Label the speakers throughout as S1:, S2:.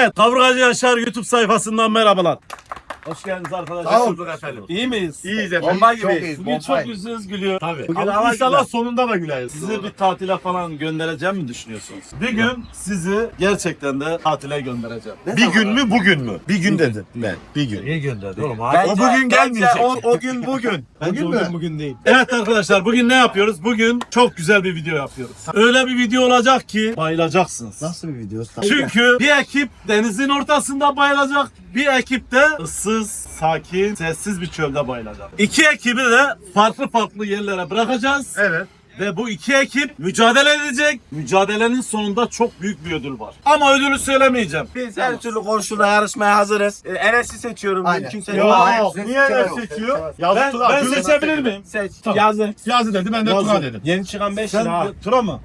S1: Evet, Kaburgacı Yaşar YouTube sayfasından merhabalar. Hoş geldiniz arkadaşlar.
S2: Sağ olun efendim.
S1: İyi miyiz?
S2: İyiyiz efendim.
S1: Bomba
S2: Çok
S1: gibi.
S2: iyiyiz,
S1: Bugün
S2: bomba.
S1: çok yüzünüz gülüyor. Tabii.
S2: Bugün
S1: Ama
S2: hava
S1: inşallah
S2: güzel.
S1: sonunda da güleriz. Sizi bir tatile falan göndereceğim mi düşünüyorsunuz? Bir gün sizi gerçekten de tatile göndereceğim.
S2: Bir gün mü bugün mü? Bir gün dedim ben. Bir gün.
S3: Niye gönderdi oğlum?
S2: O bugün gelmeyecek. O gün bugün.
S3: Bugün mü? Bugün değil.
S1: Evet arkadaşlar, bugün ne yapıyoruz? Bugün çok güzel bir video yapıyoruz. Öyle bir video olacak ki bayılacaksınız.
S3: Nasıl bir video?
S1: Çünkü bir ekip denizin ortasında bayılacak, bir ekip de ıssız, sakin, sessiz bir çölde bayılacak. İki ekibi de farklı yerlere bırakacağız.
S2: Evet.
S1: Ve bu iki ekip mücadele edecek. Mücadelenin sonunda çok büyük bir ödül var. Ama ödülü söylemeyeceğim.
S4: Biz her türlü koşulda yarışmaya hazırız. Enes'i seçiyorum.
S3: Aynen.
S4: Kimse
S2: Yok. Niye öyle seçiyor?
S1: Ben seçebilir miyim?
S4: Seç.
S1: Tamam.
S4: Yazı.
S2: Yazı dedi ben de Tuna dedim.
S4: Yeni çıkan 5 lira.
S1: Sen Tura mı?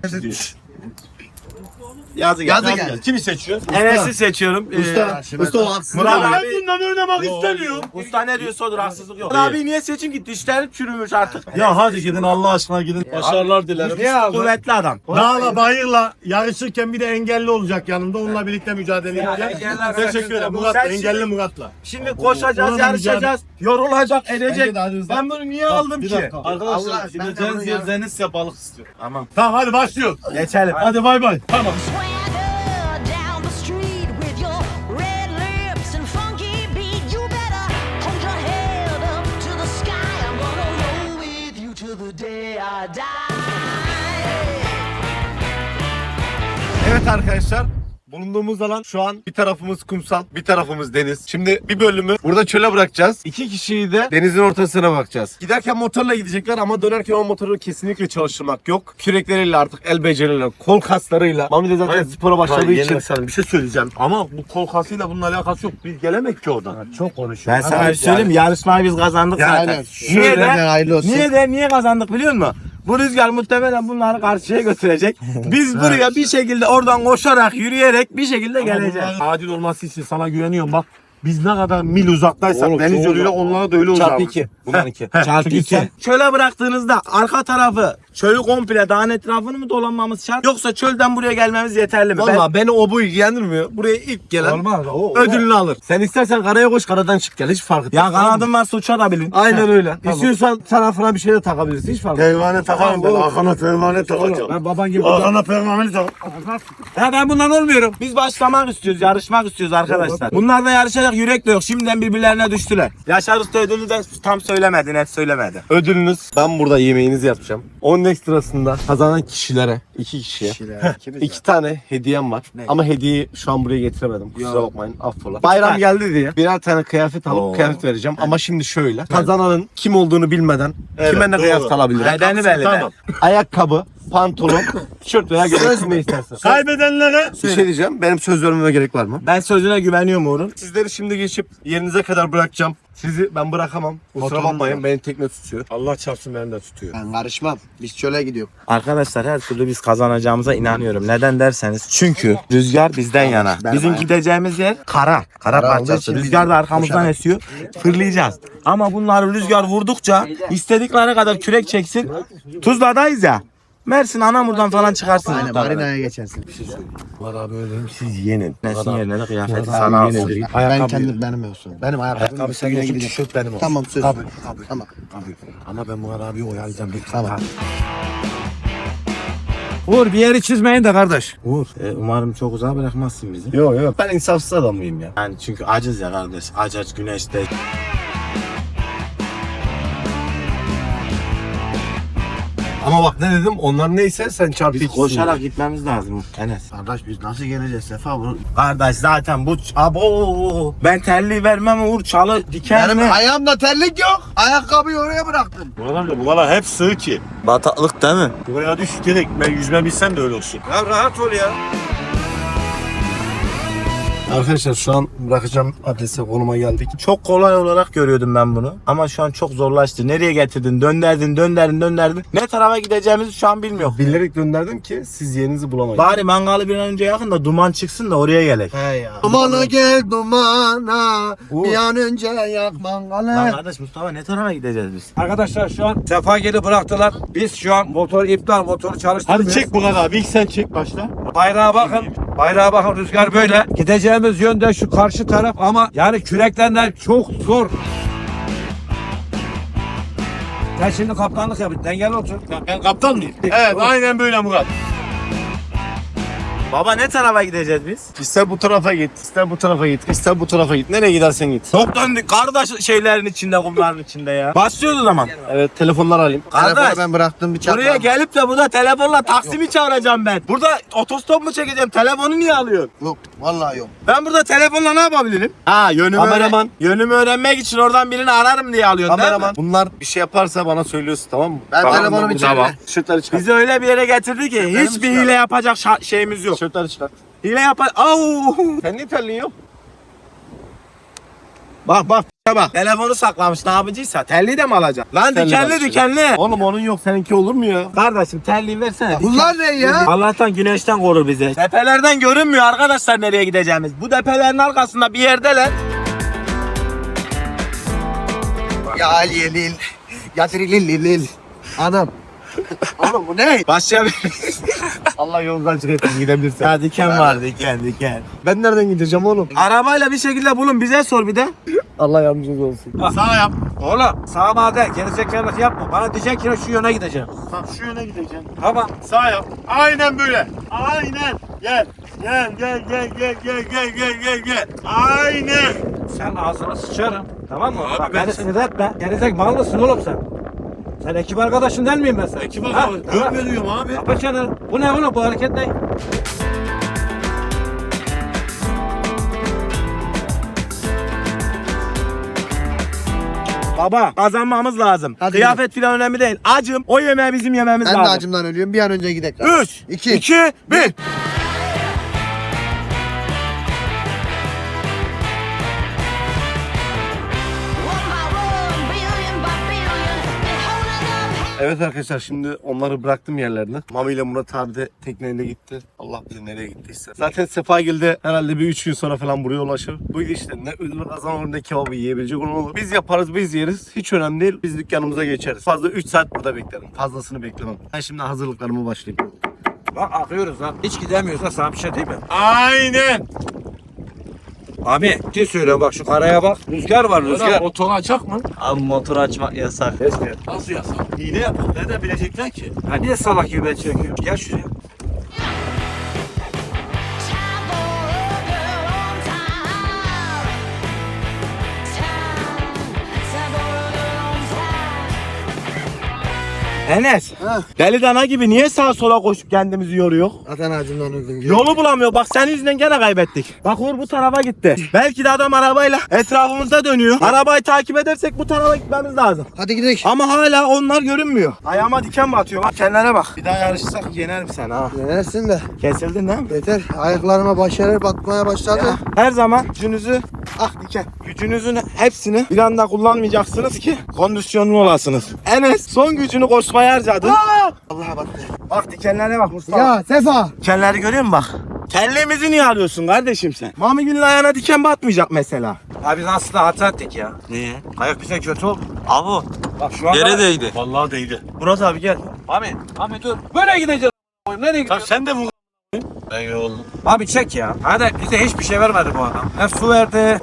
S4: Yazı
S3: geldi.
S2: Kimi seçiyor?
S4: Enes'i seçiyorum.
S3: Usta o haksız.
S4: Murat
S1: Ben
S4: abi.
S1: bundan oynamak istemiyorum.
S4: Usta ne diyorsa odur, haksızlık yok. Murat abi niye seçim ki? Dişleri çürümüş artık.
S1: Ya hadi gidin Allah aşkına gidin. Başarılar dilerim.
S4: Kuvvetli adam.
S2: Dağla bayırla yarışırken bir de engelli olacak yanımda. Onunla birlikte mücadele edeceğiz.
S4: engeller
S2: Teşekkür ederim Murat.
S4: Sen
S2: Engelli
S4: şimdi-
S2: Murat'la.
S4: Şimdi koşacağız,
S2: Onunla
S4: yarışacağız. Yorulacak, edecek.
S2: Bence de hadi hızlı.
S4: Ben bunu niye aldım
S1: Bir
S4: ki?
S1: dakika. Arkadaşlar
S3: Allah, ben de
S1: gideceğiniz
S3: bunu
S1: yer
S3: ya-
S1: Denizya balık istiyor.
S4: Tamam.
S2: Tamam hadi başlıyoruz.
S4: Geçelim.
S1: Hadi bay bay. Tamam.
S5: Swagger down the street with your red lips and funky beat. You better hold your head up to the sky. I'm gonna roll with you till the day I die.
S2: Evet arkadaşlar. Bulunduğumuz alan şu an bir tarafımız kumsal, bir tarafımız deniz. Şimdi bir bölümü burada çöle bırakacağız. İki kişiyi de denizin ortasına bakacağız. Giderken motorla gidecekler ama dönerken o motoru kesinlikle çalıştırmak yok. Kürekleriyle artık el beceriyle, kol kaslarıyla. Mami de zaten spora başladığı için. Bir şey söyleyeceğim ama bu kol kasıyla bunun alakası yok. Biz gelemek ki oradan.
S3: Çok konuşuyor.
S4: Ben sana bir şey söyleyeyim, yarışmayı biz kazandık zaten.
S3: Aynen.
S4: Niye de?
S3: Hayırlı olsun.
S4: Niye kazandık biliyor musun? Bu rüzgar muhtemelen bunları karşıya götürecek. Biz buraya bir şekilde oradan koşarak, yürüyerek bir şekilde geleceğiz.
S2: Adil olması için sana güveniyorum bak. Biz ne kadar mil uzaktaysak
S3: Oğlum,
S2: deniz
S3: çok
S2: yoluyla
S3: uzak.
S2: onlara da öyle uzak.
S4: Çarpı 2.
S2: Bunlar 2.
S4: Çarpı 2. Çöle bıraktığınızda arka tarafı, çölü komple dağın etrafını mı dolanmamız şart? Yoksa çölden buraya gelmemiz yeterli mi?
S2: Valla beni o bu ilgilendirmiyor. Buraya ilk gelen
S3: Olmaz.
S2: ödülünü alır. Sen istersen karaya koş, karadan çık gel. Hiç fark etmez.
S4: Ya kanadın varsa uçabilin.
S2: Aynen öyle.
S3: Tamam.
S2: İstiyorsan tarafına bir şey de takabilirsin. Hiç fark etmez. Pervane takarım ben. Arkana pervane takacağım.
S3: Ben baban gibi.
S2: Arkana pervane tak.
S4: Ya ben bundan olmuyorum. Biz başlamak istiyoruz, yarışmak istiyoruz arkadaşlar. Bunlar da yarışacak, yürek de yok. Şimdiden birbirlerine düştüler. Yaşar Usta ödülü de tam söylemedi, net söylemedi.
S2: Ödülünüz, ben burada yemeğinizi yapacağım. Onun ekstrasında kazanan kişilere, 2 kişiye 2 tane hediyem var. Ama hediyeyi şu an buraya getiremedim. Kusura bakmayın, affola. Bayram geldi diye birer tane kıyafet alıp kıyafet vereceğim. Ama şimdi şöyle. Kazananın kim olduğunu bilmeden kime ne kıyafet alabilir?
S4: Bedeni belli de.
S2: Tamam. Ayakkabı, pantolon, tişört veya gömlek ne istersen.
S1: Kaybedenlere
S2: Bir şey diyeceğim. Benim söz vermeme gerek var mı?
S4: Ben sözüne güveniyorum Uğur'un.
S2: Sizleri şimdi geçip yerinize kadar bırakacağım. Sizi ben bırakamam. Kusura bakmayın. Beni tekne tutuyor. Allah çarpsın beni de tutuyor.
S3: Ben karışmam. Biz çöle gidiyoruz.
S4: Arkadaşlar her türlü biz kazanacağımıza inanıyorum. Neden derseniz çünkü rüzgar bizden yana. Bizim gideceğimiz yer kara. Kara
S3: olduğu
S4: parçası.
S3: için
S4: Rüzgar da
S3: biz
S4: arkamızdan
S3: koşarak.
S4: esiyor. Fırlayacağız. Ama bunları rüzgar vurdukça istedikleri kadar kürek çeksin. Tuzla'dayız ya. Mersin Anamur'dan falan çıkarsınız.
S3: Aynen marinaya geçersin.
S2: Var abi öyle siz yenin.
S4: Nesin yerine de kıyafeti
S2: Sana
S4: sana alsın.
S2: yenin.
S3: Ben kendim benim olsun. Benim ayakkabım.
S2: Ayakkabı sen olsun, tişört benim olsun.
S3: Tamam söz.
S2: Tabii.
S3: Tamam.
S2: Ama ben Murat abiyi oyalayacağım.
S3: Tamam.
S4: Uğur bir yeri çizmeyin de kardeş. Uğur umarım çok uzağa bırakmazsın bizi.
S2: Yok yok. Ben insafsız adamıyım ya.
S4: Yani çünkü acız ya kardeş. Aç güneşte.
S2: Ama bak ne dedim? Onlar neyse sen çarpı
S4: Biz
S2: ikisisin.
S4: koşarak gitmemiz lazım Enes.
S3: Kardeş biz nasıl geleceğiz Sefa? Bu...
S4: Kardeş zaten bu abo ben terliği vermem Uğur çalı diken mi?
S3: Benim ayağımda terlik yok. Ayakkabıyı oraya bıraktım.
S2: Murat amca bunlar hep sığ ki.
S4: Bataklık değil mi?
S2: Buraya düş direkt. Ben yüzme bilsem de öyle olsun.
S4: Ya rahat ol ya.
S2: Arkadaşlar şu an bırakacağım adrese konuma geldik.
S4: Çok kolay olarak görüyordum ben bunu. Ama şu an çok zorlaştı. Nereye getirdin? Dönderdin. Ne tarafa gideceğimizi şu an bilmiyorum.
S2: Bilerek gönderdim ki siz yerinizi bulamayın.
S4: Bari mangalı bir an önce yakın da duman çıksın da oraya gelek.
S3: He ya. Dumana gel dumana.
S4: Uğur.
S3: Bir an önce yak mangalı.
S4: Lan kardeş Mustafa ne tarafa gideceğiz biz?
S6: Arkadaşlar şu an Sefa geri bıraktılar. Biz şu an motor iptal, motoru çalıştırmıyoruz.
S2: Hadi çek Murat abi. İlk sen çek başla.
S6: Bayrağa bakın. Bayrağa bakın, rüzgar böyle. Gideceğimiz yönde şu karşı taraf ama yani küreklerden çok zor. Sen şimdi kaptanlık yap. Dengeli otur.
S2: Ben kaptan mıyım? Evet aynen böyle Murat.
S4: Baba ne tarafa gideceğiz biz?
S2: İster bu tarafa git, ister bu tarafa git, ister bu tarafa git. Nereye gidersen git.
S4: Çok döndük kardeş şeylerin içinde, kumların içinde ya. Başlıyoruz o zaman.
S2: Evet telefonlar alayım.
S3: Telefonu
S4: Kardeş.
S3: ben bıraktım bir çakma.
S4: Buraya gelip de burada telefonla taksimi çağıracağım ben. Burada otostop mu çekeceğim? Telefonu niye alıyorsun?
S3: Yok vallahi yok.
S4: Ben burada telefonla ne yapabilirim? Ha yönümü,
S2: Kameraman.
S4: yönümü öğrenmek için oradan birini ararım diye alıyorsun
S2: Kameraman.
S4: değil mi?
S2: Bunlar bir şey yaparsa bana söylüyorsun tamam mı?
S3: Ben
S4: Tamam,
S3: telefonumu içeri.
S4: tamam.
S2: Tişörtleri çıkart.
S4: Bizi öyle bir yere getirdi ki hiçbir hile yapacak şeyimiz yok.
S2: Tişörtleri çıkart.
S4: Hile yapar... Au!
S2: Sen niye terliyorsun?
S4: Bak bak bak. Telefonu saklamış ne yapıcıysa telliyi de mi alacak? Lan
S2: Telli
S4: dikenli
S2: alacak.
S4: dikenli.
S2: Oğlum onun yok seninki olur mu ya?
S4: Kardeşim telliyi versene.
S3: Bunlar ne ya?
S4: Allah'tan güneşten korur bizi. Tepelerden görünmüyor arkadaşlar nereye gideceğimiz. Bu tepelerin arkasında bir yerdeler.
S3: Ya Lil. Lil. Anam. Oğlum bu ne?
S4: Başlayabiliriz.
S2: Allah yoldan çıkartın gidebilirsin.
S4: Ya diken var diken.
S2: Ben nereden gideceğim oğlum?
S4: Arabayla bir şekilde bulun bize sor bir de.
S2: Allah yardımcınız olsun.
S6: Sağ yap. Oğlum sağa bağda gerizekalılık yapma. Bana diyecek ki şu yöne gideceğim.
S2: Tamam şu yöne gideceğim.
S6: Tamam.
S2: Sağ yap. Aynen böyle. Aynen. Gel. Gel. Aynen.
S6: Sen ağzına sıçarım. Tamam mı? Bak beni sinir etme. Gerizek mal mısın oğlum sen? Sen ekip arkadaşın değil miyim ben sen?
S2: Ekip
S6: Ha?
S2: arkadaşı. Görmüyorum abi.
S6: Kapa çeneni. Bu ne oğlum bu hareket ne?
S4: Baba kazanmamız lazım.
S3: Hadi
S4: Kıyafet falan önemli değil. Acım o yemeği bizim yememiz
S3: Ben de
S4: lazım.
S3: acımdan ölüyorum. Bir an önce gidelim.
S4: 3,
S3: İki.
S4: 2, 1.
S5: One by one, billion by billion, and holding up.
S2: Evet arkadaşlar şimdi onları bıraktım yerlerine. Mami ile Murat abi de tekneyle gitti. Allah bilir nereye gittiyse. Zaten Sefagil'de herhalde bir 3 gün sonra falan buraya ulaşır. Bu işte ne ödül kazanır ne kebabı yiyebilecek onu olur. Biz yaparız biz yeriz. Hiç önemli değil. Biz dükkanımıza geçeriz. Fazla 3 saat burada beklerim. Fazlasını beklemem. Ben şimdi hazırlıklarımı başlayayım.
S6: Bak akıyoruz lan. Hiç gidemiyoruz lan, sana bir şey değil mi?
S2: Aynen.
S6: Abi ciddi söylüyorum bak şu karaya bak. Rüzgar var rüzgar.
S2: Motor açak mı?
S4: Abi motor açmak yasak.
S2: Nasıl yasak? Hile yapar. Nereden bilecekler ki?
S6: Ha niye salak gibi ben çekiyorum? Gel şuraya.
S5: Time for a girl on time. Time for a girl on time.
S4: Enes.
S3: Ha.
S4: Deli dana gibi niye sağa sola koşup kendimizi yoruyor?
S3: Zaten acımdan öldüm.
S4: Yolu bulamıyor. Bak senin yüzünden gene kaybettik. Bak Uğur bu tarafa gitti. Belki de adam arabayla etrafımızda dönüyor. Arabayı takip edersek bu tarafa gitmemiz lazım.
S3: Hadi gidelim.
S4: Ama hala onlar görünmüyor. Ayağıma diken batıyor. Bak kenara bak. Bir daha yarışsak yenerim seni ha.
S3: Yenersin de.
S4: Kesildin değil mi?
S3: Yeter. Ayaklarıma başarı batmaya başladı.
S4: Her zaman gücünüzü diken. Gücünüzün hepsini bir anda kullanmayacaksınız ki kondisyonlu olasınız. Enes son gücünü koşmaya harcadı.
S3: Allah'a battı.
S4: Bak dikenlere bak Mustafa.
S3: Ya Sefa.
S4: Dikenleri görüyor musun bak? Kellemizi niye arıyorsun kardeşim sen? Mami Gül'ün ayağına diken batmayacak mesela.
S6: Abi biz aslında hata ettik ya.
S4: Niye?
S6: Ayak bize kötü oldu.
S4: Abi
S6: Bak şu anda...
S4: değdi.
S2: Vallahi değdi.
S4: Murat abi gel.
S6: Abi dur. Böyle gideceğiz. Nereye gidiyoruz?
S2: Sen de vur. Ben yoruldum.
S6: Abi çek ya. Hadi bize hiçbir şey vermedi bu adam. Hep su verdi.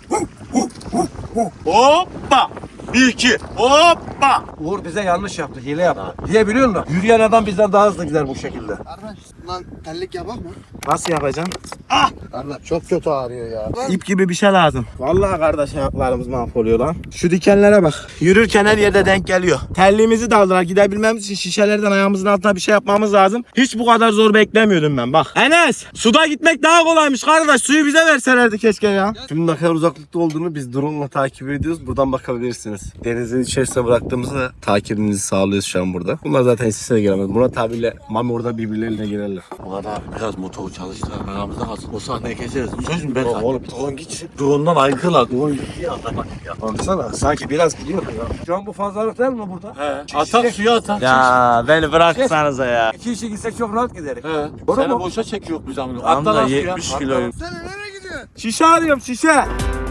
S2: Hoppa. 1-2. Hoppa.
S6: Uğur bize yanlış yaptı. Hile yaptı. Niye biliyor musun? Yürüyen adam bizden daha hızlı gider bu şekilde.
S3: Kardeş lan terlik yapak mı?
S4: Nasıl yapacaksın?
S3: Kardeş çok kötü ağrıyor ya.
S4: İp gibi bir şey lazım. Vallahi kardeş ayaklarımız mahvoluyor lan. Şu dikenlere bak. Yürürken her yerde denk geliyor. Terliğimizi de aldılar. Gidebilmemiz için şişelerden ayağımızın altına bir şey yapmamız lazım. Hiç bu kadar zor beklemiyordum ben bak. Enes! Suda gitmek daha kolaymış kardeş. Suyu bize verselerdi keşke ya.
S2: Şimdi ne kadar uzaklıkta olduğunu biz drone ile takip ediyoruz. Buradan bakabilirsiniz. Denizin içerisine bıraktığımızda takibimizi sağlıyoruz şu an burada. Bunlar zaten sesine giremez. Murat abiyle Mami orada birbirleriyle girerler.
S7: Murat abi biraz motoru çalıştır. Aramızda kalsın. O sahneyi keseriz. Söz mü ben sana?
S2: Oğlum drone git. Drone'dan aykırılar. Drone gitti ya.
S6: Baksana sanki biraz gidiyor ya. Şu an bu fazlalık değil mi burada?
S7: He. Atak suya atak.
S4: Ya beni bıraksanıza ya.
S6: 2 kişi gitsek çok rahat gideriz.
S7: He.
S6: Doğru
S7: Seni
S6: mu?
S7: boşa çekiyor biz amına.
S4: Tam da
S7: Atla lan suya.
S4: 70 kiloyum.
S3: Sen nereye gidiyorsun?
S4: Şişe arıyorum şişe.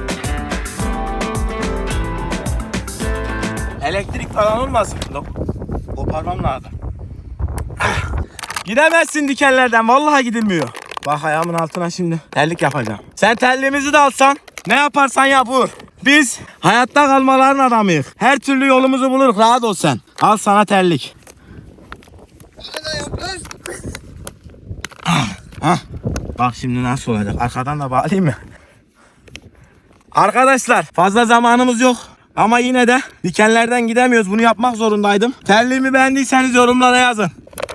S4: Elektrik falan olmasın. Koparmam lazım. Gidemezsin dikenlerden. Vallahi gidilmiyor. Bak ayağımın altına şimdi terlik yapacağım. Sen terliğimizi de alsan ne yaparsan yap Uğur. Biz hayatta kalmaların adamıyız. Her türlü yolumuzu buluruz, rahat ol sen. Al sana terlik. Bak şimdi nasıl olacak. Arkadan da bağlayayım mı? Arkadaşlar fazla zamanımız yok. Ama yine de dikenlerden gidemiyoruz. Bunu yapmak zorundaydım. Terliğimi beğendiyseniz yorumlara yazın.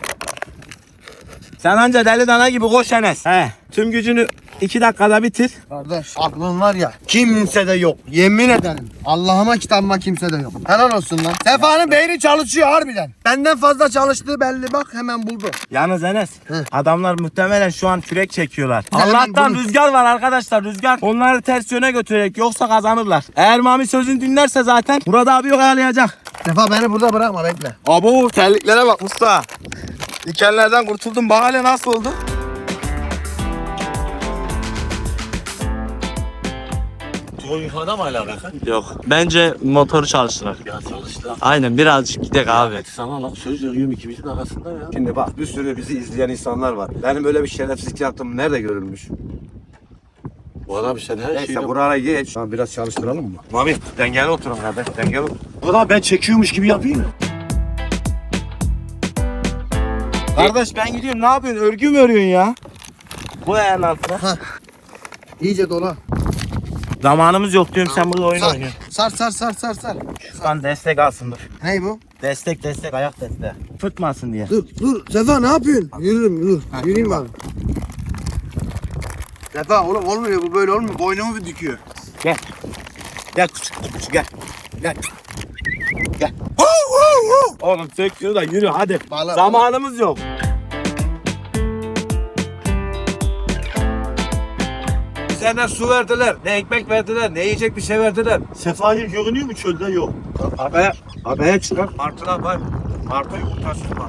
S4: Sen anca deli dana gibi koş Enes. He. Tüm gücünü 2 dakikada bitir.
S3: Kardeş aklın var ya kimse de yok. Yemin ederim. Allah'ıma kitabıma kimse de yok. Helal olsun lan. Sefa'nın beyni çalışıyor harbiden. Benden fazla çalıştığı belli bak hemen buldu.
S4: Yalnız Enes,
S3: Hı.
S4: adamlar muhtemelen şu an kürek çekiyorlar.
S3: Hemen
S4: Allah'tan
S3: bunu-
S4: rüzgar var arkadaşlar, rüzgar. Onları ters yöne götürecek, yoksa kazanırlar. Eğer Mami sözünü dinlerse zaten Murat abi yok ayarlayacak.
S3: Sefa beni burada bırakma bekle.
S4: Abo terliklere bak usta. Dikenlerden kurtuldum. Bak hele nasıl oldu?
S7: O yukarıda mı hala bak?
S1: Yok. Bence motoru çalıştırar.
S7: Ya çalıştı.
S1: Aynen birazcık gidelim abi.
S7: Sana lan söz veriyorum ikimizin arasında ya.
S2: Şimdi bak bir sürü bizi izleyen insanlar var. Benim böyle bir şerefsizlik yaptığım nerede görülmüş?
S7: Bu adam sen her
S2: Neyse
S7: şeyi...
S2: buraya geç. Tamam biraz çalıştıralım mı? Mami dengeli oturun kardeş dengeli otur.
S7: Bu da ben çekiyormuş gibi yapayım mı?
S4: Kardeş ben gidiyorum. Ne yapıyorsun? Örgü mü örüyorsun ya? Bu ayağın altına.
S3: İyice dola.
S4: Zamanımız yok diyorum, sen burada oyun
S3: Sar.
S4: oynuyorsun.
S3: Sar.
S4: Şu an destek alsın dur.
S3: Ney bu?
S4: Destek ayak desteği. Fırtmasın diye.
S3: Dur Sefa ne yapıyorsun? Yürürüm Yürüyeyim bak. Sefa oğlum olmuyor bu böyle olmuyor. Boynumu bir düküyor.
S4: Gel küçük gel. Gel. Oğlum söküyor da yürü hadi.
S3: Bağla.
S4: Zamanımız yok.
S6: Bize ne su verdiler, ne ekmek verdiler, ne yiyecek bir şey verdiler.
S1: Sefayı görünüyor mu çölde? Yok.
S6: Abaya çıkar. Martılar var. Martı yumurtası var.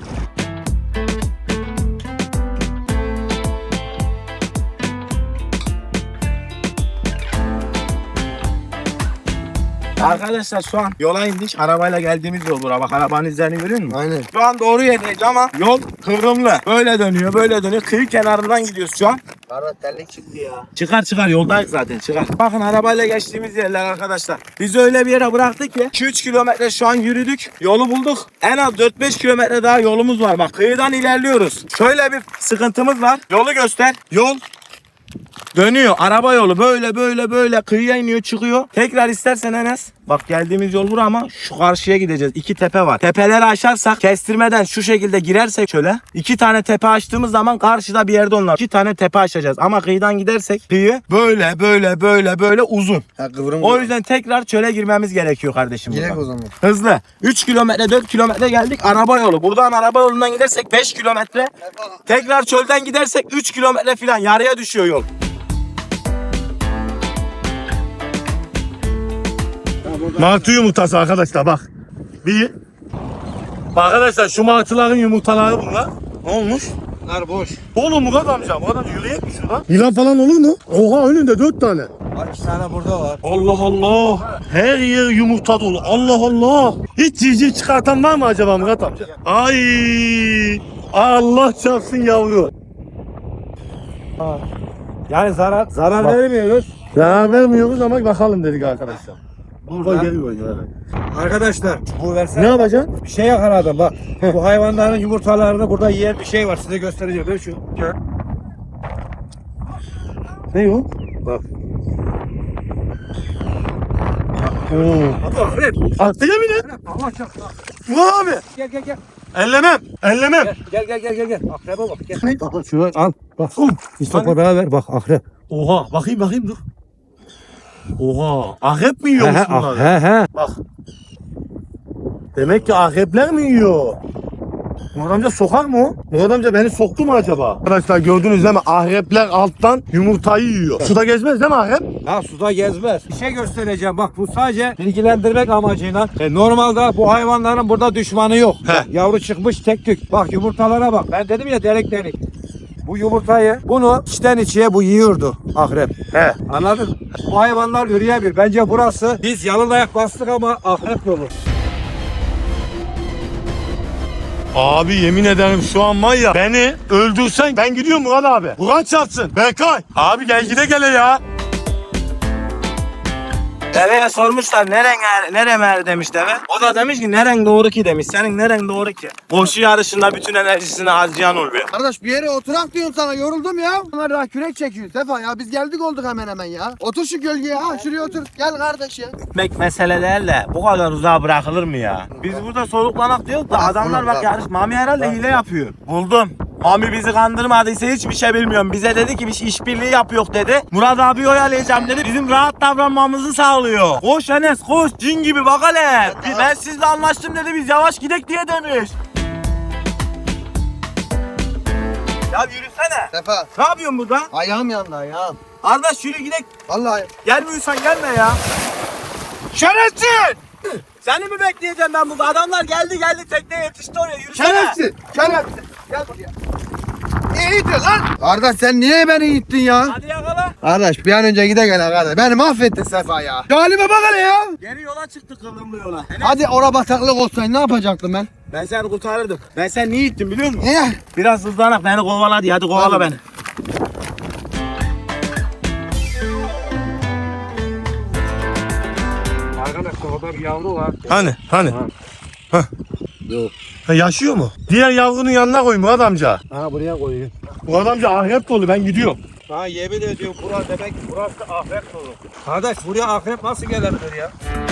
S4: Arkadaşlar şu an yola indik. Arabayla geldiğimiz yol bura. Bak arabanın izlerini görüyor musun?
S3: Aynen.
S4: Şu an doğru yerdeyiz ama yol kıvrımlı. Böyle dönüyor. Kıyı kenarından gidiyoruz şu an.
S3: Kardeş terlik çıktı ya.
S4: Çıkar yoldayız zaten çıkar. Bakın arabayla geçtiğimiz yerler arkadaşlar. Bizi öyle bir yere bıraktık ki 2-3 kilometre şu an yürüdük. Yolu bulduk. En az 4-5 kilometre daha yolumuz var. Bak kıyıdan ilerliyoruz. Şöyle bir sıkıntımız var. Yolu göster. Yol dönüyor. Araba yolu böyle kıyıya iniyor çıkıyor. Tekrar istersen Enes. Bak geldiğimiz yol bura ama şu karşıya gideceğiz. 2 tepe var. Tepeleri aşarsak kestirmeden şu şekilde girersek şöyle 2 tane tepe açtığımız zaman karşıda bir yerde onlar. 2 tane tepe açacağız. Ama kıyıdan gidersek kıyı böyle uzun.
S3: Ha kıvrım.
S4: O yüzden tekrar çöle girmemiz gerekiyor kardeşim
S3: Girek
S4: burada.
S3: o zaman.
S4: Hızlı. 3 kilometre 4 kilometre geldik araba yolu. Buradan araba yolundan gidersek 5 kilometre. Tekrar çölden gidersek 3 kilometre falan yarıya düşüyor yol.
S1: Martı yumurtası arkadaşlar bak. Arkadaşlar şu martıların yumurtaları bunlar. Ne olmuş?
S3: Bunlar boş.
S1: Oğlum Murat amca yürüyek mi şuradan? Yılan falan olur mu? Oha önünde 4 tane.
S6: Var 2 tane burada var.
S1: Allah Allah. Her yer yumurta dolu. Allah Allah. Hiç civciv çıkartan var mı acaba Murat amca? Ay. Allah çarpsın yavru.
S6: Yani zarar vermiyoruz.
S1: Ya vermiyoruz ama bakalım dedik arkadaşlar.
S6: Burada
S1: Geliyor yani.
S6: arkadaşlar bu versene.
S1: Ne yapacaksın?
S6: Bir şey yakaladım bak. Bu hayvanların yumurtalarını burada yiyen bir şey var. Size göstereceğim. Ver şu.
S1: Ne o?
S6: Bak.
S1: Attı ya bir de.
S6: Allah çarpsın.
S1: Bu abi.
S6: Gel.
S1: Ellemem. Ellemem.
S6: Gel. Akrebe bak. Gel.
S1: Bak şunu al. Bak.
S6: Mustafa beraber bak akrep.
S1: Oha. Bakayım dur. Oha. Akrep mi yiyormuş bunlar?
S6: He.
S1: Bak. Demek ki akrepler mi yiyor? Murat amca sokar mı o? Murat amca beni soktu mu acaba? Arkadaşlar gördünüz değil mi? Akrepler alttan yumurtayı yiyor. Suda gezmez değil mi akrep?
S6: Ha suda gezmez. Bir şey göstereceğim bak bu sadece bilgilendirmek amacıyla. Normalde bu hayvanların burada düşmanı yok. Bak, yavru çıkmış tek tük. Bak yumurtalara bak. Ben dedim ya delik. Bu yumurtayı bunu içten içe bu yiyordu akrep.
S1: He.
S6: Anladın mı? Bu hayvanlar yürüyebilir. Bence burası biz yalın ayak bastık ama akrep yolu.
S2: Abi yemin ederim şu an var ya, beni öldürsen ben gidiyorum Murat abi. Kur'an çarpsın. Berkay. Abi gel gele ya.
S4: Deveye sormuşlar neren er demiş deve. O da demiş ki neren doğru ki demiş. Senin neren doğru ki? Koşu yarışında bütün enerjisini harcayan oluyor.
S3: Kardeş bir yere oturak diyorum sana, yoruldum ya. Bunlar daha kürek çekiyor Sefa ya, biz geldik olduk hemen hemen ya. Otur şu gölgeye, ha şuraya otur. Gel kardeş ya.
S4: Gitmek mesele değil de bu kadar uzağa bırakılır mı ya? Biz burada soluklanak diyoruz da adamlar bak yarış. Mami herhalde hile yapıyor. Buldum. Mami bizi kandırmadıysa hiçbir şey bilmiyorum. Bize dedi ki biz işbirliği yapıyor dedi. Murat abi oyalayacağım dedi. Bizim rahat davranmamızı sağlıyor. Koş Enes koş. Cin gibi bak hele. Ben sizle anlaştım dedi. Biz yavaş gidek diye demiş. Ya yürüsene.
S3: Sefa.
S4: Ne yapıyorsun burada?
S3: Ayağım yandı ayağım.
S4: Kardeş yürü gidek.
S3: Vallahi.
S4: Gelmiyorsan gelme ya. Şerefsiz! Seni mi bekleyeceğim ben burada? Adamlar geldi tekneye yetişti oraya. Yürüsene.
S3: Şerefsiz. Şerefsiz. Gel buraya. Niye itiyorsun lan? Kardeş sen niye beni ittin ya?
S4: Hadi yakala.
S3: Kardeş bir an önce gide gel kardeş. Beni mahvettin Sefa ya. Halime bak hele ya.
S4: Geri yola çıktık kıvrımlı yola.
S3: Hadi ora bataklık olsaydı ne yapacaktım ben?
S4: Ben seni kurtarırdım. Ben seni niye ittim biliyor musun?
S3: Niye?
S4: Biraz hızlanak beni kovala diye. Hadi kovala beni.
S6: Arkadaşlar orada bir yavru var.
S2: Hani? Hah. Yok. Yaşıyor mu? Diğer yavrunun yanına koy Murat amca.
S6: Ha buraya koyuyor.
S2: Murat amca ahiret dolu, ben gidiyorum.
S6: Ha yemin ediyorum burası demek burası akrep dolu. Kardeş buraya akrep nasıl gelebilir ya?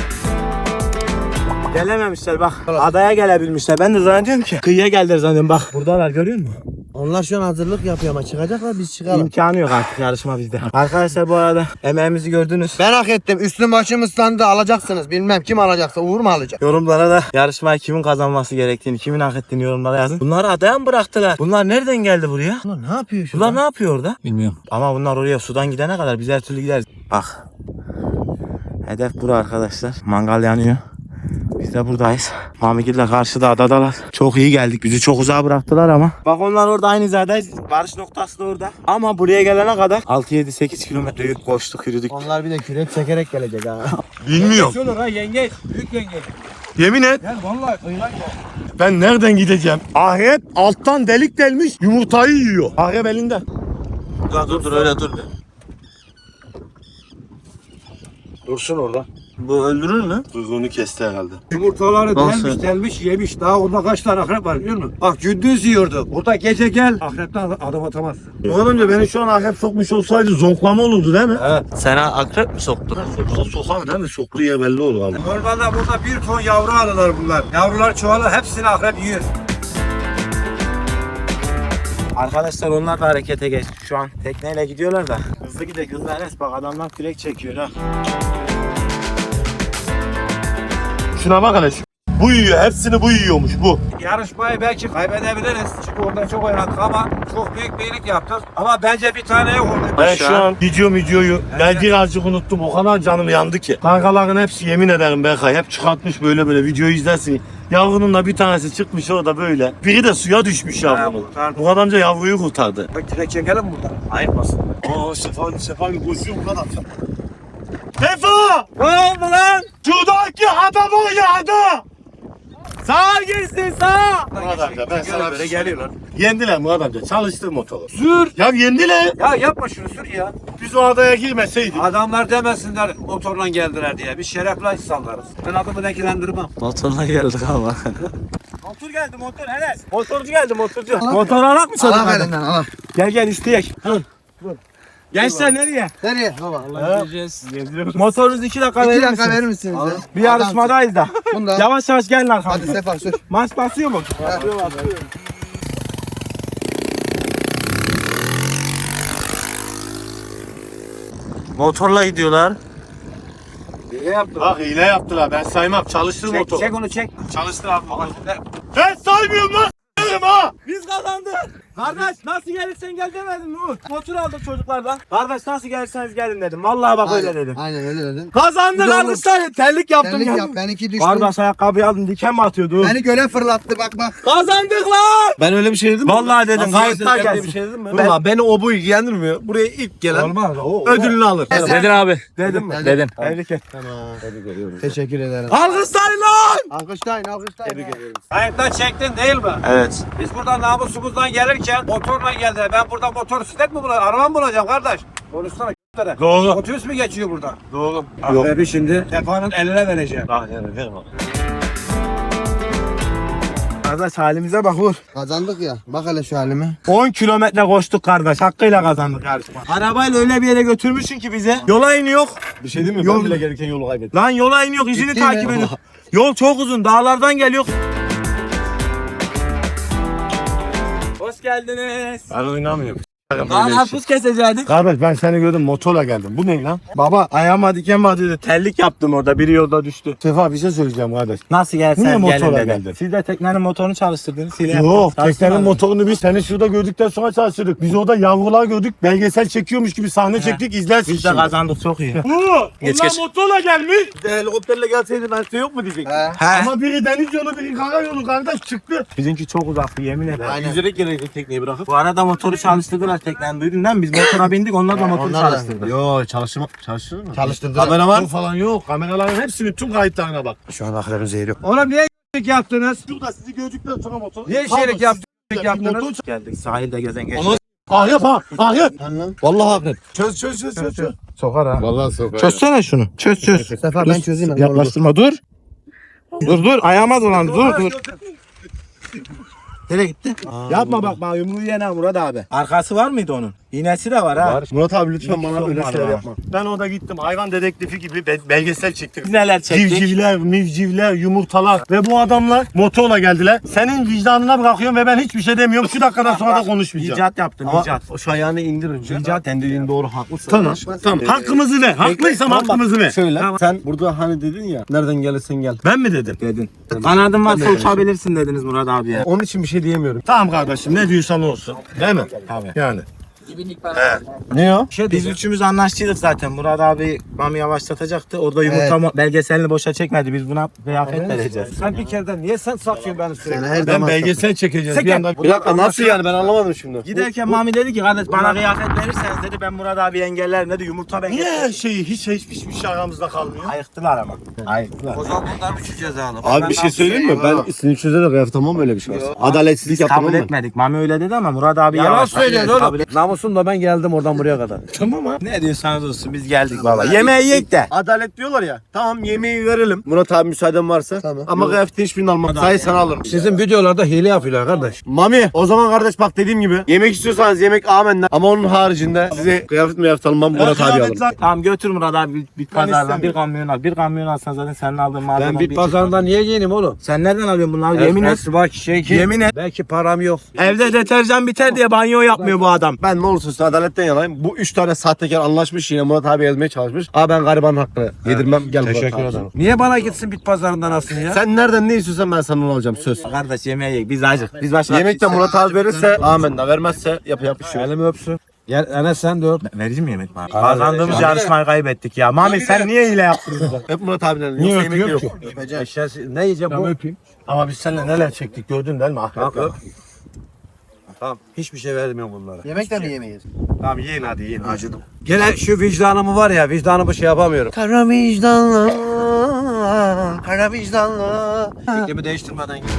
S4: Gelememişler bak. Adaya gelebilmişler. Ben de zannediyorum ki kıyıya geldiler zannediyorum. Bak buradalar görüyor musun?
S3: Onlar şu an hazırlık yapıyor ama çıkacaklar, biz çıkalım.
S4: İmkanı yok artık yarışma bizde. Arkadaşlar bu arada emeğimizi gördünüz.
S3: Ben hak ettim. Üstüm başım ıslandı, alacaksınız. Bilmem kim alacaksa, Uğur mu alacak?
S4: Yorumlara da yarışmayı kimin kazanması gerektiğini, kimin hak ettiğini yorumlara yazın. Bunları adaya mı bıraktılar? Bunlar nereden geldi buraya?
S3: Ulan ne yapıyor şu?
S4: Bunlar ne yapıyor orada?
S7: Bilmiyorum.
S4: Ama bunlar oraya sudan gidene kadar biz her türlü gideriz. Bak. Hedef bura arkadaşlar. Mangal yanıyor. Biz de buradayız. Mamigil'le karşıda adadalar. Çok iyi geldik. Bizi çok uzağa bıraktılar ama. Bak onlar orada aynı hizadayız. Varış noktası da orada. Ama buraya gelene kadar 6-7-8 kilometre koştuk yürüdük.
S3: Onlar bir de kürek çekerek gelecek ha.
S2: Bilmiyorum.
S6: Şöyle ha yengeç. Büyük yengeç.
S2: Yemin et.
S6: Gel vallahi kıyılan gel.
S2: Ben nereden gideceğim? Ahiret alttan delik delmiş yumurtayı yiyor. Ahiret elinde.
S7: Dur öyle dur.
S4: Dursun orada. Bu öldürür mü?
S2: Kuyruğunu kesti herhalde.
S6: Yumurtaları
S7: Nasıl?
S6: delmiş yemiş. Daha orada kaç tane akrep var biliyor musun? Bak gündüz yiyordu. Burada gece gel. Akrepten adım atamazsın.
S2: Murat amca beni şu an ahiret sokmuş olsaydı zonklama olurdu değil mi?
S7: Sana akrep mi soktu?
S2: Sokar değil mi? Soktuğu yer belli olur abi.
S6: Normalde burada bir ton yavru alırlar bunlar. Yavrular çoğalır hepsini akrep yiyor.
S4: Arkadaşlar onlar da harekete geçti. Şu an tekneyle gidiyorlar da. Hızlı gidek hızlı Enes bak adamlar kürek çekiyor ha.
S2: Şuna bak hele. Bu yiyor. Hepsini bu yiyormuş bu.
S6: Yarışmayı belki kaybedebiliriz. Çünkü orada çok oynadık ama çok büyük bir iyilik yaptık. Ama bence bir tane yok orada.
S2: Ben şu an videoyu ben birazcık unuttum. O kadar canım yandı ki. Kankaların hepsi yemin ederim Berkay hep çıkartmış böyle videoyu izlersin. Yavrunun da bir tanesi çıkmış orada böyle. Biri de suya düşmüş yavrunun.
S6: kurtardı.
S2: Bu amca yavruyu kurtardı.
S6: Bak direkt çekelim buradan. Ayıpmasın.
S2: Aa Sefa koşuyor bu kadar. Sefa!
S4: Ne oldu lan?
S2: Şuradaki adam oynadı!
S4: Sağa girsin sağa.
S2: Murat amca ben sana
S6: Böyle geliyorlar.
S2: Yendiler Murat amca. Çalıştır motoru.
S6: Sür.
S2: Ya yendiler.
S6: Ya yapma şunu sür ya.
S2: Biz o adaya girmeseydik.
S6: Adamlar demesinler motorla geldiler diye. Biz şerefli insanlarız. Ben adımı denkilendirmem.
S7: Motorla geldik ama.
S4: Motor geldi motor Enes. Motorcu geldi motorcu. Motor alak mı çocuk?
S3: Allah elinden Allah.
S4: Gel isteyek. Dur. Gençler nereye?
S3: Nereye? Baba.
S4: Motorunuz 2 dakika
S3: 2
S4: verir
S3: dakika
S4: misiniz?
S3: verir misiniz ya?
S4: Bir yarışmadayız da.
S3: Bunda.
S4: Yavaş yavaş gelin
S3: Hadi
S4: arkamda.
S3: Sefa sür.
S4: Maç basıyor mu? Motorla gidiyorlar.
S6: Ne yaptın?
S2: Bak hile yaptılar. Ben saymam. Çalıştır
S6: Çek,
S2: motoru.
S6: çek onu çek.
S2: Çalıştır abi. Ben saymıyorum lan. Ha.
S4: Biz kazandık. Kardeş nasıl gelirsen gel demedin mi Umut? Motor aldık çocuklardan. Kardeş nasıl gelirseniz gelin dedim. Vallahi bak öyle dedim.
S3: Aynen öyle dedim.
S4: Kazandık
S3: Güzel
S4: kardeşler. Terlik yaptım
S3: Benlik
S4: ya.
S3: yap. Benimki düştü.
S4: Kardeş ayakkabıyı aldım diken mi atıyordu?
S3: Beni göle fırlattı bak bak.
S4: Kazandık lan.
S7: Ben öyle bir şey dedim mi?
S4: Vallahi dedim.
S7: Nasıl
S4: Kayıtlar
S7: gelsin?
S4: gelsin.
S7: Bir şey dedim mi?
S2: Ulan beni o bu ilgilendirmiyor. Buraya ilk gelen
S6: Olmaz.
S2: ödülünü alır.
S7: Dedin abi.
S4: Dedim mi?
S3: Dedim.
S7: Dedin.
S4: Tebrik et.
S3: Teşekkür ederim.
S4: Alkışlayın lan.
S3: Alkışlayın alkışlayın.
S2: Tebrik ederim.
S6: Kayıttan çektin değil mi?
S4: Evet.
S6: Biz buradan namusumuzdan gelirken motorla geldiler. Ben burada motosiklet mi bulacağım? Araba mı bulacağım kardeş? Konuşsana k***lere.
S1: Doğru.
S6: Otobüs mü geçiyor buradan?
S1: Doğru.
S6: Abi şimdi Sefa'nın eline vereceğim.
S4: Kardeş halimize bak vur.
S3: Kazandık ya. Bak hele şu halime.
S4: 10 kilometre koştuk kardeş. Hakkıyla kazandık yarışma. Arabayla öyle bir yere götürmüşsün ki bize. Yola iniyor.
S2: Bir şey değil mi?
S4: Yol-
S2: Ben bile gelirken yolu kaybettim.
S4: Lan yola iniyor. İzini
S3: Ciddi
S4: takip
S3: mi?
S4: ediyor. Yol çok uzun. Dağlardan geliyor. Hoş geldiniz.
S2: Ben oynamıyorum.
S4: Lan hafız kesecektik.
S2: Kardeş ben seni gördüm motorla geldim. Bu ne lan?
S4: Baba ayağıma diken batıyordu. Terlik yaptım orada. Biri yolda düştü.
S2: Sefa bir şey söyleyeceğim kardeş.
S4: Nasıl
S2: Niye
S4: gelsen
S2: motorla
S4: gelin dedim.
S2: geldin?
S4: Siz de teknenin motorunu çalıştırdınız. Hile
S2: Yok
S4: yaptınız.
S2: teknenin
S4: Çalıştırmadınız.
S2: motorunu biz seni şurada gördükten sonra çalıştırdık. Biz orada yavrular gördük. Belgesel çekiyormuş gibi sahne çektik. İzlersin
S4: Biz de
S2: şimdi.
S4: kazandık çok iyi.
S2: Onlar motorla gelmiş.
S4: Helikopterle gelseydi ben size yok mu diyecek?
S3: He.
S2: Ama biri deniz yolu biri kara yolu kardeş çıktı.
S4: Bizimki çok uzaktı yemin ederim.
S3: Aynen.
S2: Yüzerek gelecek tekneyi bırakıp.
S4: Bu arada motoru çalıştırdılar teknen duydun değil mi? Biz motora bindik onlar da motoru
S3: Onlar da.
S4: çalıştırdı.
S2: Yo çalıştırır mı?
S3: Çalıştırdılar.
S2: Kameraman falan yok. Kameraların hepsinin tüm kayıtlarına bak.
S3: Şu an aklımın zehri yok.
S6: Oğlum niye y***lik yaptınız?
S2: Şurada sizi gördükten sonra motor.
S6: Niye
S2: Pardon,
S6: şeylik yaptınız?
S2: siz-
S6: yaptınız?
S2: Motor
S4: Geldik sahilde gezen geçti.
S2: Onu- Ah yap ha. Ah yap.
S3: Lan.
S2: Vallahi haklı. Çöz.
S4: Sokar ha.
S2: Vallahi sokar.
S4: Çözsene şunu. Çöz.
S3: Sefa ben çözeyim.
S4: Yaklaştırma dur. Dur ayağıma dolan dur. Nereye gitti? Yapma bak bana yumruğu yene Murat abi. Arkası var mıydı onun? İğnesi de var ha.
S2: Murat abi lütfen bana
S4: Yok,
S2: öyle
S4: var
S2: şeyler
S4: ha.
S2: yapma. Ben orada gittim hayvan dedektifi gibi belgesel çektim.
S4: Biz neler çektik?
S2: Civcivler, mivcivler, yumurtalar ve bu adamlar motorla geldiler. Senin vicdanına bırakıyorum ve ben hiçbir şey demiyorum. Şu dakikadan sonra da konuşmayacağım.
S4: İcat yaptın
S2: Ama
S4: icat.
S2: o şu ayağını indir önce.
S4: İcat.
S2: Sen dediğin doğru haklısın. Tamam. Hakkımızı ver. Haklıysam
S4: Tamam, bak.
S2: hakkımızı ver.
S4: Şöyle.
S2: Sen burada hani dedin ya nereden gelirsen gel. Ben mi dedim?
S4: Dedin. Kanadın varsa uçabilirsin dediniz Murat abiye.
S2: Onun için bir şey diyemiyorum. Tamam kardeşim ne diyorsan olsun. Değil mi?
S4: Tabii.
S2: Yani. Ne o?
S4: Biz üçümüz anlaştıydık zaten. Murat abi Mami yavaşlatacaktı. Orada yumurta belgeselini boşa çekmedi. Biz buna kıyafet vereceğiz.
S6: Sen bir kereden niye sen saklıyorsun beni sürekli?
S3: Sen her
S2: Ben
S3: zaman
S2: belgesel çekeceğiz.
S6: Sen
S2: Bir anda. Bir dakika nasıl yani ben anlamadım şimdi.
S4: Giderken Mami dedi ki kardeş bana kıyafet verirseniz dedi ben Murat abi engellerim dedi. Yumurta ben
S2: Niye
S4: getirdim.
S2: her şeyi hiçbir şey aramızda kalmıyor?
S4: Ayıktılar ama. Ayıktılar.
S6: O zaman bunlar bir ceza alalım.
S2: Abi bir şey söyleyeyim mi? Ben sinirçüze de kıyafetamam öyle bir şey var. Adaletsizlik yapmam
S4: Kabul
S2: mı?
S4: etmedik. Mami öyle dedi ama Murat abi
S6: Yalan
S4: yavaş.
S6: söylüyorsun
S4: Kabul
S6: oğlum. Namusumla ben geldim oradan buraya kadar.
S2: Tamam abi.
S4: Ne diyorsanız olsun biz geldik baba. Yemeği yiyek de.
S2: Adalet diyorlar ya. Tamam yemeği verelim. Murat abi müsaaden varsa.
S3: Tamam.
S2: Ama kıyafetin hiçbirini almam. Sayı sana alırım.
S6: Sizin videolarda hile yapıyorlar kardeş.
S2: Mami o zaman kardeş bak dediğim gibi yemek istiyorsanız yemek amenna. Ama onun haricinde size kıyafet almam Murat abi alırım.
S4: Tamam götür Murat abi bir pazardan
S2: istemiyorum.
S4: bir kamyon al. Bir kamyon alsan zaten senin aldığın malzeme.
S6: Ben bit pazarında niye giyineyim oğlum?
S4: Sen nereden alıyorsun bunları? Yemin et.
S6: Bak şey ki.
S4: Yemin et.
S6: Belki param yok.
S4: Evde deterjan biter diye banyo yapmıyor bu adam.
S2: Ben ne olursa olsun adaletten yanayım. Bu 3 tane sahtekar anlaşmış yine Murat abi yazmaya çalışmış. Abi ben garibanın hakkını yedirmem. Gel Murat abi.
S6: Niye bana gitsin bit pazarından alsın ya?
S2: Sen nereden ne istiyorsan ben sana onu alacağım söz.
S4: Kardeş yemeğe yiyek. Biz acık. Biz başka
S2: Yemekte Murat abi verirse amenna. Vermezse yapacak bir şey yok.
S6: Elimi öpsün. Gel Enes sen de öp.
S4: Vereceğim mi yemek bana? Kazandığımız yarışmayı kaybettik ya. Mami sen niye hile yaptın bize?
S2: Hep Murat abiden.
S6: Niye
S2: Yoksa yemek
S6: öpüyorum
S2: yok.
S6: ki? Eşyası, ne yiyeceğim bu? Öpeyim.
S2: Ama biz seninle neler çektik gördün değil mi?
S6: Tamam öp. Tamam. Hiçbir şey vermiyorum bunlara.
S3: Yemek de mi yemeyiz?
S2: Tamam yiyin hadi yiyin. Acıdım.
S6: Gene şu vicdanımı var ya vicdanımı şey yapamıyorum.
S3: Kara vicdanlı, kara vicdanlı.
S6: Fikrimi değiştirmeden git.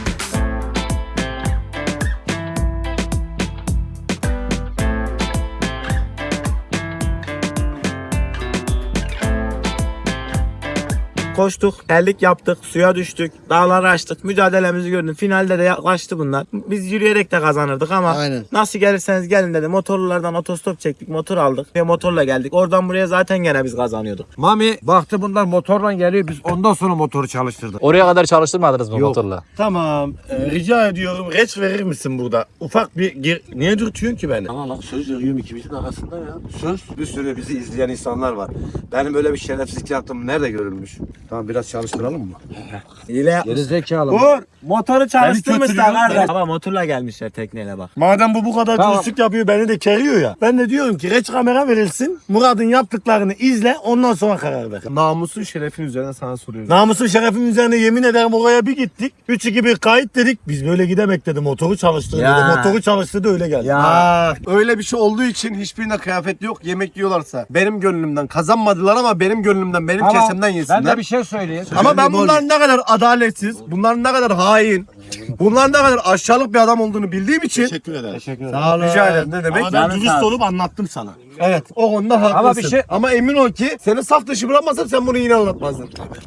S4: Koştuk, terlik yaptık, suya düştük, dağları açtık, mücadelemizi gördün. Finalde de yaklaştı bunlar. Biz yürüyerek de kazanırdık ama
S3: Aynen.
S4: nasıl gelirseniz gelin dedi. Motorlulardan otostop çektik, motor aldık ve motorla geldik. Oradan buraya zaten gene biz kazanıyorduk.
S6: Mami baktı bunlar motorla geliyor biz ondan sonra motoru çalıştırdık.
S7: Oraya kadar çalıştırmadınız mı
S6: Yok.
S7: motorla?
S2: Tamam. Rica ediyorum reç verir misin burada? Ufak bir niye dürtüyorsun ki beni?
S7: Ama lan söz veriyorum ikimizin arasında ya. Söz.
S2: Bir sürü bizi izleyen insanlar var. Benim böyle bir şerefsizlik yaptığım nerede görülmüş? Tamam biraz çalıştıralım mı?
S4: Hile
S6: Geri zekalı.
S2: Vur!
S4: Motoru çalıştırmışlar
S1: kötülüyor.
S4: kardeş. Ama motorla gelmişler tekneyle bak.
S8: Madem bu kadar
S6: Tamam.
S8: dürüstlük yapıyor beni de keriyor ya. Ben de diyorum ki reç kamera verilsin. Murat'ın yaptıklarını izle ondan sonra karar ver.
S2: Namusun şerefin üzerine sana soruyorum.
S8: Namusun şerefin üzerine yemin ederim oraya bir gittik. 3-2-1 kayıt dedik. Biz böyle gidemek dedi. Motoru çalıştırdı
S4: Ya.
S8: dedi. Motoru çalıştırdı öyle geldi.
S4: Ya.
S2: Öyle bir şey olduğu için hiçbirinde kıyafet yok. Yemek yiyorlarsa benim gönlümden kazanmadılar ama benim gönlümden benim
S6: Ama
S2: kesemden yesinler.
S6: ben de bir şey söyleyeyim.
S2: Ama ben bunların ne kadar adaletsiz, bunların ne kadar hain, bunların ne kadar aşağılık bir adam olduğunu bildiğim için
S8: Teşekkür ederim.
S2: sağ olun. Rica ederim. Ne demek?
S8: Ama ben
S4: Canın
S8: dürüst
S4: sağ
S8: olup anlattım sana.
S2: Evet, o konuda haklısın.
S6: Ama bir şey-
S2: Ama emin ol ki seni saf dışı bırakmasam sen bunu yine anlatmazdın.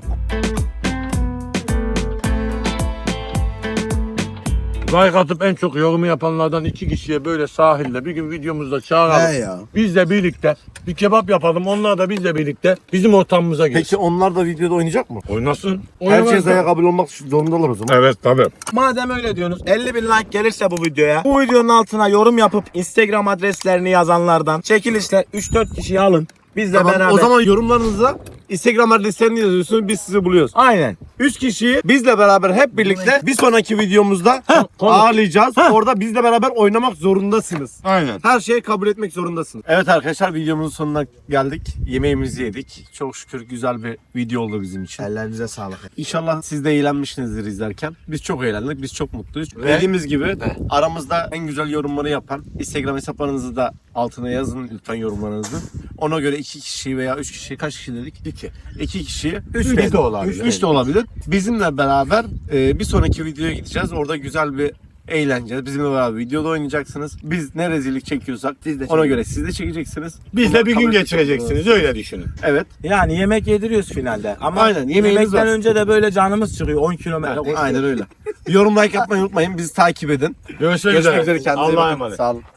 S8: Like atıp en çok yorumu yapanlardan 2 kişiye böyle sahilde bir gün videomuzda çağıralım.
S2: He ya.
S8: Bizle birlikte bir kebap yapalım. Onlar da bizle birlikte bizim ortamımıza gelsin.
S2: Peki onlar da videoda oynayacak mı?
S8: Oynasın.
S2: Herkese kabul olmak zorundalar o zaman.
S8: Evet tabii.
S4: Madem öyle diyorsunuz 50 bin like gelirse bu videoya bu videonun altına yorum yapıp Instagram adreslerini yazanlardan çekilişte 3-4 kişiyi alın. Bizle
S2: Tamam,
S4: beraber.
S2: o zaman yorumlarınıza Instagram adreslerini yazıyorsunuz, biz sizi buluyoruz.
S4: Aynen.
S2: 3 kişiyi bizle beraber hep birlikte bir sonraki videomuzda ağırlayacağız. Orada bizle beraber oynamak zorundasınız.
S8: Aynen.
S2: Her şeyi kabul etmek zorundasınız. Evet arkadaşlar, videomuzun sonuna geldik. Yemeğimizi yedik. Çok şükür güzel bir video oldu bizim için.
S4: Ellerinize sağlık.
S2: İnşallah siz de eğlenmişsinizdir izlerken. Biz çok eğlendik, biz çok mutluyuz. Dediğimiz gibi aramızda en güzel yorumları yapan Instagram hesaplarınızı da altına yazın lütfen yorumlarınızı. Ona göre 2 kişi veya 3 kişi, kaç kişi dedik? 2 kişi, 3
S8: de olabilir.
S2: 3 de olabilir. Bizimle beraber bir sonraki videoya gideceğiz. Orada güzel bir eğleneceğiz. Bizimle beraber videoda oynayacaksınız. Biz ne rezillik çekiyorsak ona göre siz de çekeceksiniz.
S8: Bizle
S2: Bunlar
S8: bir gün
S2: kabul
S8: geçireceksiniz öyle düşünün.
S2: Evet.
S4: Yani yemek yediriyoruz finalde. Ama
S2: Aynen, yemeğimiz
S4: yemekten
S2: var.
S4: önce de böyle canımız çıkıyor 10 kilometre.
S2: Aynen öyle. Yorum like atmayı unutmayın. Bizi takip edin.
S8: Görüşmek
S2: Görüşmek
S8: üzere.
S2: üzere. Kendinize iyi
S8: Allah'a
S2: bakın.
S8: emanet.
S2: Sağ olun.